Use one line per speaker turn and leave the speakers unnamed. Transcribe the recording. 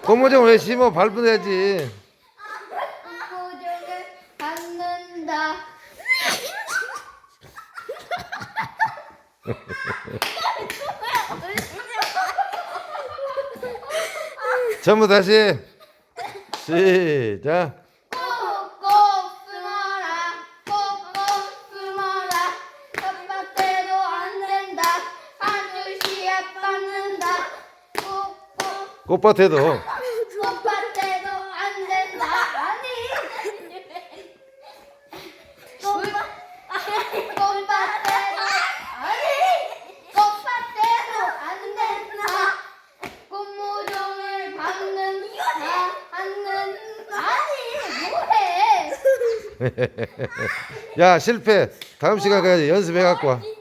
고무줄 왜 심어? 밟아야지.
고무줄을 밟는다.
전부 다시 시작.
꼭꼭 숨어라. 꼭꼭 숨어라. 텃밭에도 안 된다. 한 줄씨에 밟는다. 꼭꼭
꽃밭에도
텃밭에도 안 된다. 아니. 꽃밭에도 안 된다. 고무종을 밟는다. 아니 뭐해?
야 실패. 다음 시간 가야지. 연습해 갖고 와.